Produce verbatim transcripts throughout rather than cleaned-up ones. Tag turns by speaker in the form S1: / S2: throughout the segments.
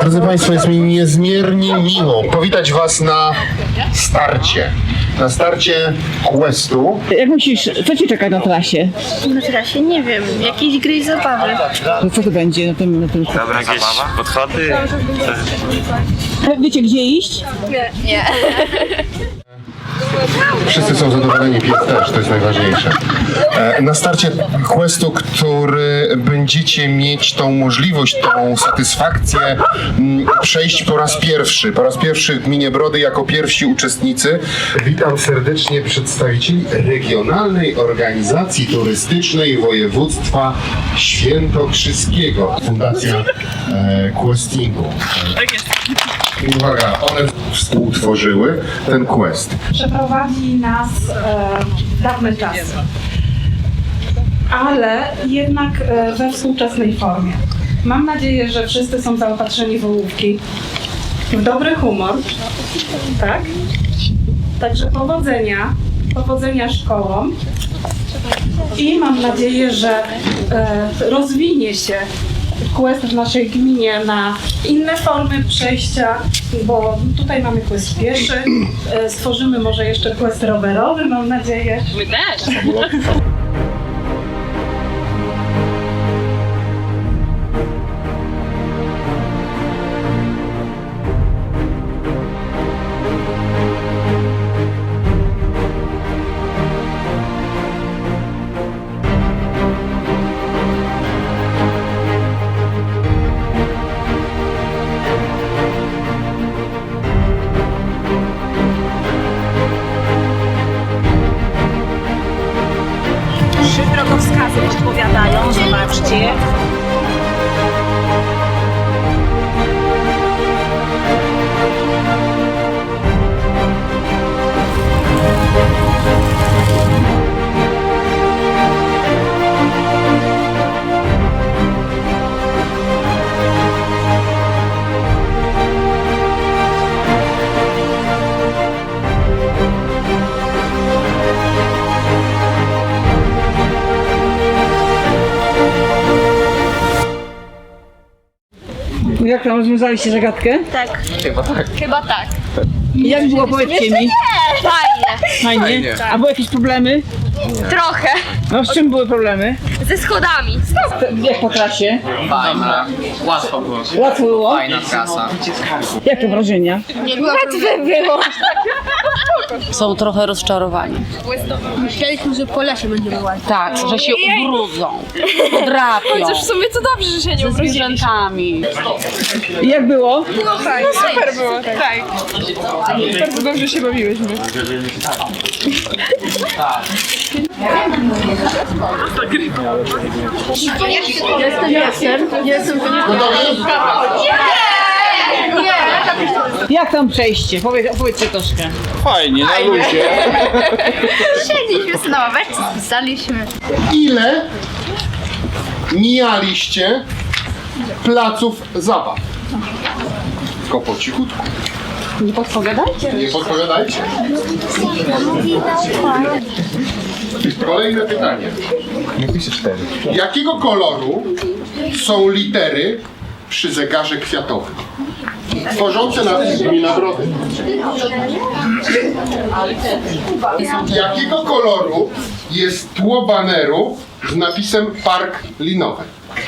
S1: Drodzy Państwo, jest mi niezmiernie miło powitać Was na starcie. Na starcie Questu.
S2: Jak myślisz, co Ci czeka na trasie?
S3: Na trasie nie wiem, jakieś gry i zabawy.
S2: No co to będzie na tym... Na tym...
S4: Dobra, jakieś podchody?
S2: Wiecie, gdzie iść?
S3: Nie. Nie.
S1: Wszyscy są zadowoleni, pies też, to jest najważniejsze. E, Na starcie Questu, który będziecie mieć tą możliwość, tą satysfakcję m, przejść po raz pierwszy. Po raz pierwszy w Gminie Brody jako pierwsi uczestnicy. Witam serdecznie przedstawicieli Regionalnej Organizacji Turystycznej Województwa Świętokrzyskiego. Fundacja e, Questingu. Tak jest. Uwaga, one współtworzyły ten quest.
S5: Przeprowadzi nas e, w dawne czasy, ale jednak e, we współczesnej formie. Mam nadzieję, że wszyscy są zaopatrzeni w ołówki, w dobry humor, tak? Także powodzenia, powodzenia szkołom i mam nadzieję, że e, rozwinie się quest w naszej gminie na inne formy przejścia, bo tutaj mamy quest pieszy, e, stworzymy może jeszcze quest rowerowy, mam nadzieję.
S3: My też.
S6: Trzy drogowskazy podpowiadają, zobaczcie.
S2: Jak tam rozwiązaliście zagadkę?
S3: Tak. Chyba tak.
S2: Jak było, powiedzcie mi?
S3: Fajnie.
S2: Fajnie. A były jakieś problemy?
S3: Trochę.
S2: No z czym były problemy?
S3: Ze schodami.
S2: Jak po trasie?
S7: Fajna. Łatwo było.
S2: Łatwo było?
S7: Fajna trasa.
S2: Jakie wrażenia?
S3: Łatwe było.
S8: Są trochę rozczarowani.
S3: Myśleliśmy, że po lesie będziemy łazić.
S8: Tak, że się ubrudzą, drapią
S3: Chociaż w sumie to dobrze, że się nie
S8: ze zwierzętami.
S2: I jak było?
S3: No fajnie. Super było, tak. tak. Bardzo dobrze się bawiłyśmy. Jestem, jestem. Jestem.
S2: Jak tam przejście? Powiedz, opowiedzcie troszkę.
S4: Fajnie, na luzie.
S3: Siedliśmy sobie na ławeczce, spisaliśmy.
S1: Ile mijaliście placów zabaw? Tylko po cichutku.
S2: Nie podpowiadajcie.
S1: Nie podpowiadajcie. Kolejne pytanie. Jakiego koloru są litery przy zegarze kwiatowym tworzące napis Gmina Brody? Jakiego koloru jest tło baneru z napisem Park Linowy?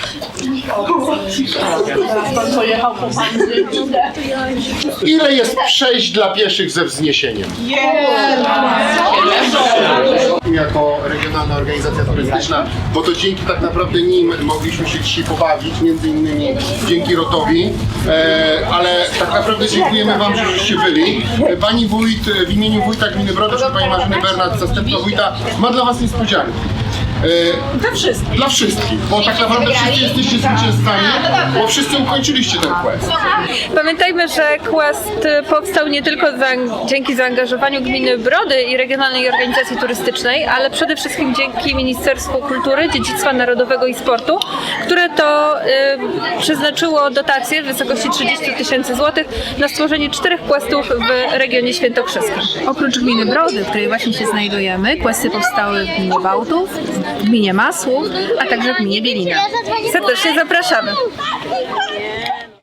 S1: Ile jest przejść dla pieszych ze wzniesieniem? Jako regionalna organizacja turystyczna, bo to dzięki tak naprawdę nim mogliśmy się dzisiaj pobawić, między innymi dzięki Rotowi, e, ale tak naprawdę dziękujemy Wam, że żeście byli. Pani wójt w imieniu wójta Gminy Brody, czyli Pani Marzyny Bernat, zastępca wójta, ma dla Was niespodziankę. E,
S5: Dla wszystkich.
S1: Dla wszystkich, bo tak naprawdę wszyscy jesteście zwycięzcami, bo wszyscy ukończyliście ten quest.
S9: Pamiętajmy, że Quest powstał nie tylko za, dzięki zaangażowaniu Gminy Brody i Regionalnej Organizacji Turystycznej, ale przede wszystkim dzięki Ministerstwu Kultury, Dziedzictwa Narodowego i Sportu, które to y, przeznaczyło dotacje w wysokości trzydzieści tysięcy złotych na stworzenie czterech questów w regionie świętokrzyskim.
S10: Oprócz gminy Brody, w której właśnie się znajdujemy, questy powstały w gminie Bałtów, w gminie Masłów, a także w gminie Bielina.
S9: Serdecznie zapraszamy.